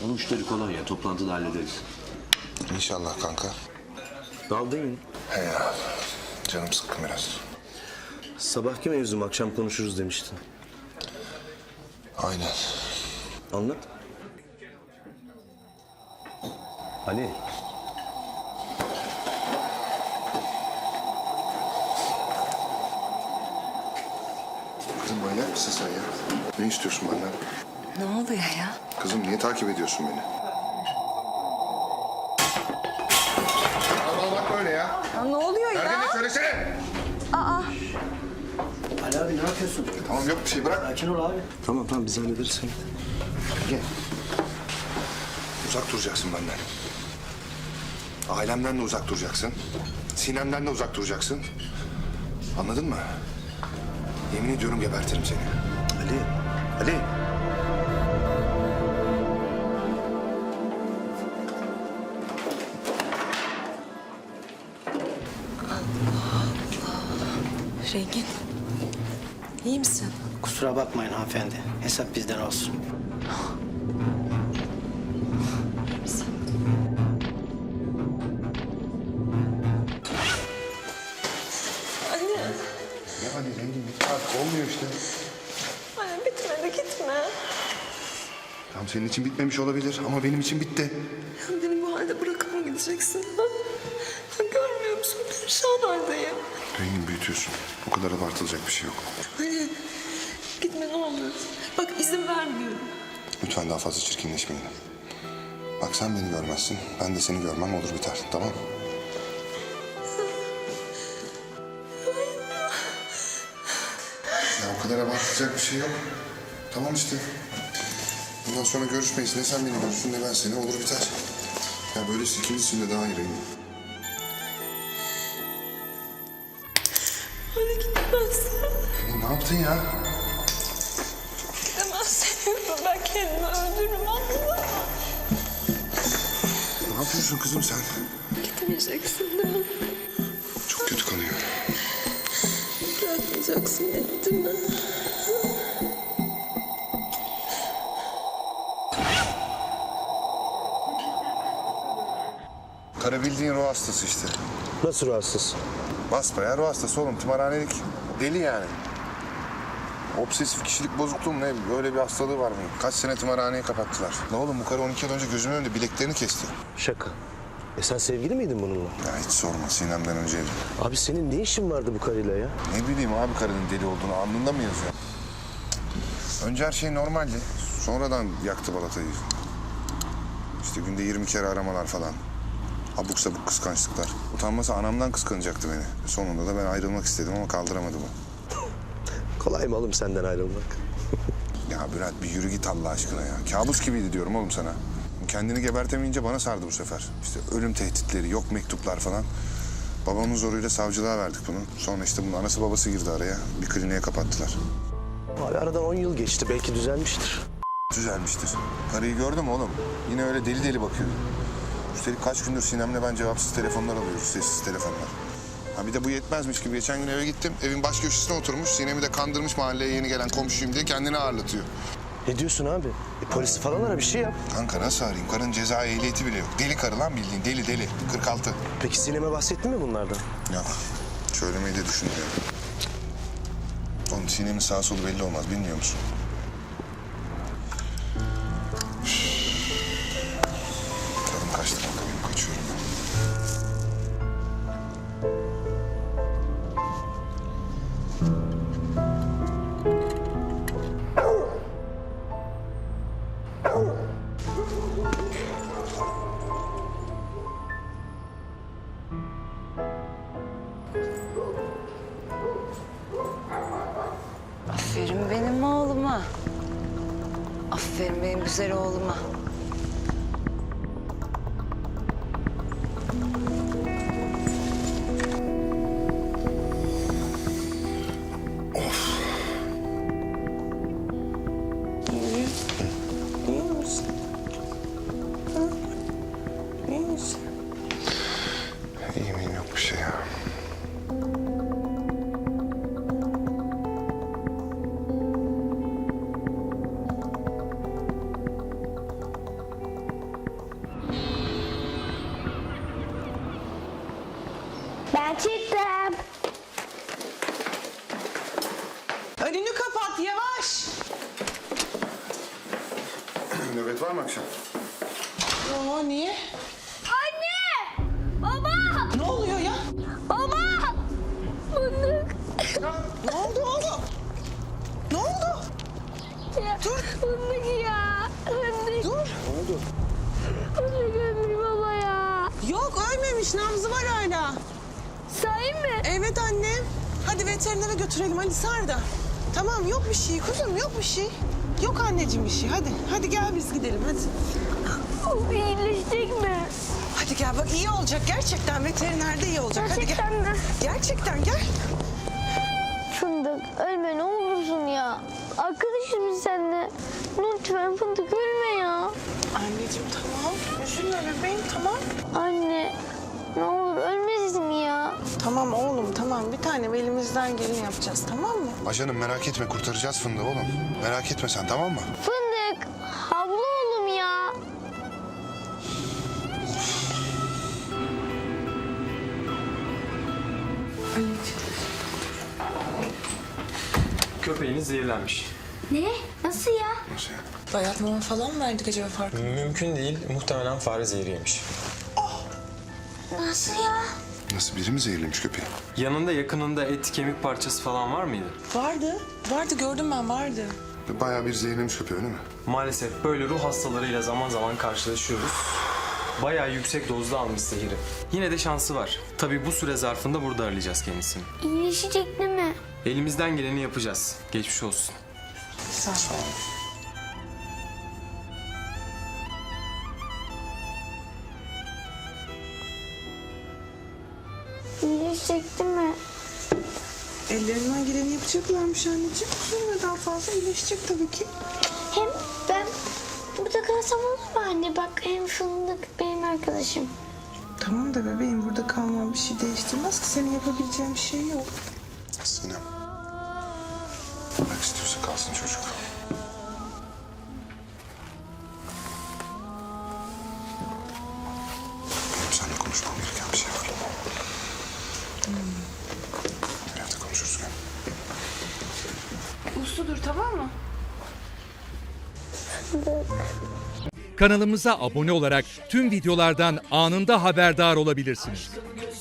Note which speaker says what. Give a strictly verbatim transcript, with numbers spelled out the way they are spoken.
Speaker 1: O müşteri kolay ya. Toplantıda hallederiz.
Speaker 2: İnşallah kanka.
Speaker 1: Daldın yine.
Speaker 2: He ya. Canım sıkkın biraz.
Speaker 1: Sabahki mevzum akşam konuşuruz demiştin.
Speaker 2: Aynen.
Speaker 1: Anlat. Ali.
Speaker 2: Kızım manyak mısın sen ya? Ne istiyorsun benden?
Speaker 3: Ne oluyor ya?
Speaker 2: Kızım niye takip ediyorsun beni? Allah bak böyle ya.
Speaker 3: Ya ne oluyor ya?
Speaker 2: Nerede ne söylesene.
Speaker 4: Ali abi ne yapıyorsun?
Speaker 2: Tamam yok bir şey bırak.
Speaker 4: Sakin ol abi.
Speaker 1: Tamam tamam biz hallederiz sen.
Speaker 2: Gel. Uzak duracaksın benden. Ailemden de uzak duracaksın. Sinem'den de uzak duracaksın. Anladın mı? Yemin ediyorum gebertirim seni.
Speaker 1: Ali. Ali.
Speaker 3: Rengin. İyi misin?
Speaker 4: Kusura bakmayın hanımefendi. Hesap bizden olsun.
Speaker 3: Anne.
Speaker 2: Ya hadi zengin git artık olmuyor işte.
Speaker 3: Anne bitmedi gitme.
Speaker 2: Tamam senin için bitmemiş olabilir ama benim için bitti.
Speaker 3: Ya beni bu halde bırakıp mı gideceksin? Ha? Ya görmüyor musun? Perişan haldeyim.
Speaker 2: Rengin büyütüyorsun. O kadar abartılacak bir şey yok.
Speaker 3: Anne gitme ne olur. Bak izin vermiyorum.
Speaker 2: Lütfen daha fazla çirkinleşmeyin. Bak sen beni görmezsin. Ben de seni görmem olur biter. Tamam? Ya o kadar abartılacak bir şey yok. Tamam işte. Bundan sonra görüşmeyiz. Ne sen beni görürsün ne ben seni. Olur biter. Ya böylesi ikimiz için de daha iyi Rengin.
Speaker 3: Anne gitmezsin.
Speaker 2: Rengin ne yaptın ya?
Speaker 3: Gidemezsin. Ben kendimi öldürürüm anladın mı?
Speaker 2: Ne yapıyorsun kızım sen?
Speaker 3: Gitmeyeceksin değil mi?
Speaker 2: Çok kötü kanıyor.
Speaker 3: Bırakmayacaksın beni değil mi?
Speaker 2: Kara bildiğin ruh hastası işte.
Speaker 1: Nasıl rahatsız?
Speaker 2: Basbayağı ruh hastası oğlum. Tımarhanelik. Deli yani. Obsesif kişilik bozukluğu mu ne? Öyle bir hastalığı var mı? Kaç sene tımarhaneyi kapattılar. La oğlum bu karı on iki yıl önce gözümün önünde bileklerini kesti.
Speaker 1: Şaka. E sen sevgili miydin bununla?
Speaker 2: Ya hiç sorma Sinem'den önceydi.
Speaker 1: Abi senin ne işin vardı bu karıyla ya?
Speaker 2: Ne bileyim abi karının deli olduğunu alnında mı yazıyor? Önce her şey normaldi. Sonradan yaktı balatayı. İşte günde yirmi kere aramalar falan. Abuk sabuk kıskançlıklar. Utanmasa anamdan kıskanacaktı beni. Sonunda da ben ayrılmak istedim ama kaldıramadı bu.
Speaker 1: Kolay mı oğlum senden ayrılmak?
Speaker 2: Ya Bülent bir yürü git Allah aşkına ya. Kabus gibiydi diyorum oğlum sana. Kendini gebertemeyince bana sardı bu sefer. İşte ölüm tehditleri, yok mektuplar falan. Babamın zoruyla savcılığa verdik bunu. Sonra işte bunun anası babası girdi araya. Bir kliniğe kapattılar.
Speaker 1: Abi aradan on yıl geçti. Belki düzelmiştir.
Speaker 2: Düzelmiştir. Karıyı gördün mü oğlum? Yine öyle deli deli bakıyor. Üstelik kaç gündür Sinem'le ben cevapsız telefonlar alıyoruz, sessiz telefonlar. Ha bir de bu yetmezmiş gibi geçen gün eve gittim. Evin baş köşesine oturmuş. Sinem'i de kandırmış mahalleye yeni gelen komşuyum diye kendini ağırlatıyor.
Speaker 1: Ne diyorsun abi? E, polisi falan ara bir şey yap.
Speaker 2: Kanka nasıl arayayım? Karının ceza ehliyeti bile yok. Deli karı lan bildiğin. Deli deli. kırk altı.
Speaker 1: Peki Sinem'e bahsettin mi bunlardan?
Speaker 2: Ya söylemeyi de düşünmüyorum. Oğlum Sinem'in sağ solu belli olmaz. Bilmiyor musun? Tadım kaçtı kanka benim. Kaçıyorum ben.
Speaker 3: Aferin benim oğluma. Aferin benim güzel oğluma. İyi. İyi misin? Ha? İyi misin?
Speaker 2: İyi miyim yok bir şey ya. Nöbet var mı akşam?
Speaker 5: Yo, niye?
Speaker 6: Anne! Baba!
Speaker 5: Ne oluyor ya?
Speaker 6: Baba! Fındık.
Speaker 5: Ne oldu oğlum? Ne oldu?
Speaker 6: Ya,
Speaker 5: Dur.
Speaker 6: Fındık ya. Fındık.
Speaker 5: Dur.
Speaker 6: Fındık ölmüş baba ya.
Speaker 5: Yok ölmemiş, nabzı var hala.
Speaker 6: Sahi mi?
Speaker 5: Evet annem. Hadi veterinere götürelim hadi sar da. Tamam yok bir şey kuzum yok bir şey. Yok anneciğim bir şey hadi. Hadi gel biz gidelim hadi.
Speaker 6: O iyileşecek mi?
Speaker 5: Hadi gel bak iyi olacak gerçekten veterinerde iyi olacak.
Speaker 6: Gerçekten
Speaker 5: hadi gel.
Speaker 6: mi?
Speaker 5: Gerçekten gel.
Speaker 6: Fındık ölme ne olursun ya. Arkadaşız biz seninle. Lütfen Fındık ölme ya.
Speaker 5: Anneciğim tamam. Üzülme bebeğim tamam.
Speaker 6: Anne ne olur ölmesin ya.
Speaker 5: Tamam oğlum tamam bir tane elimizden geleni yapacağız tamam mı?
Speaker 2: Ajanım merak etme kurtaracağız fındığı oğlum. Merak etme sen tamam mı?
Speaker 6: Fındık havlu oğlum ya.
Speaker 7: Köpeğiniz zehirlenmiş.
Speaker 6: Ne? Nasıl ya?
Speaker 2: Nasıl yani?
Speaker 5: Bayat mama falan mı verdik acaba farkında?
Speaker 7: Mümkün değil. Muhtemelen fare zehri yemiş.
Speaker 6: Nasıl ya?
Speaker 2: Nasıl biri mi zehirlemiş köpeği?
Speaker 7: Yanında yakınında et, kemik parçası falan var mıydı?
Speaker 5: Vardı. Vardı gördüm ben vardı.
Speaker 2: Bayağı bir zehirlemiş köpeği öyle mi?
Speaker 7: Maalesef böyle ruh hastalarıyla zaman zaman karşılaşıyoruz. Bayağı yüksek dozda almış zehri. Yine de şansı var. Tabii bu süre zarfında burada arayacağız kendisini.
Speaker 6: İyileşecek değil mi?
Speaker 7: Elimizden geleni yapacağız. Geçmiş olsun.
Speaker 5: Sağ ol.
Speaker 6: İyileşecek değil mi?
Speaker 5: Ellerinden geleni yapacaklarmış anneciğim. Üzülme daha fazla iyileşecek tabii ki.
Speaker 6: Hem ben burada kalsam olur mu anne? Bak hem Fındık benim arkadaşım.
Speaker 5: Tamam da bebeğim burada kalman bir şey değiştirmez ki. Senin yapabileceğin bir şey yok.
Speaker 2: Sinem. Bırak istiyorsa kalsın çocuk. Benim seninle konuşmam gereken bir şey var. Hmm. Evde konuşuruz gel.
Speaker 5: Usludur tamam mı?
Speaker 8: Kanalımıza abone olarak tüm videolardan anında haberdar olabilirsiniz.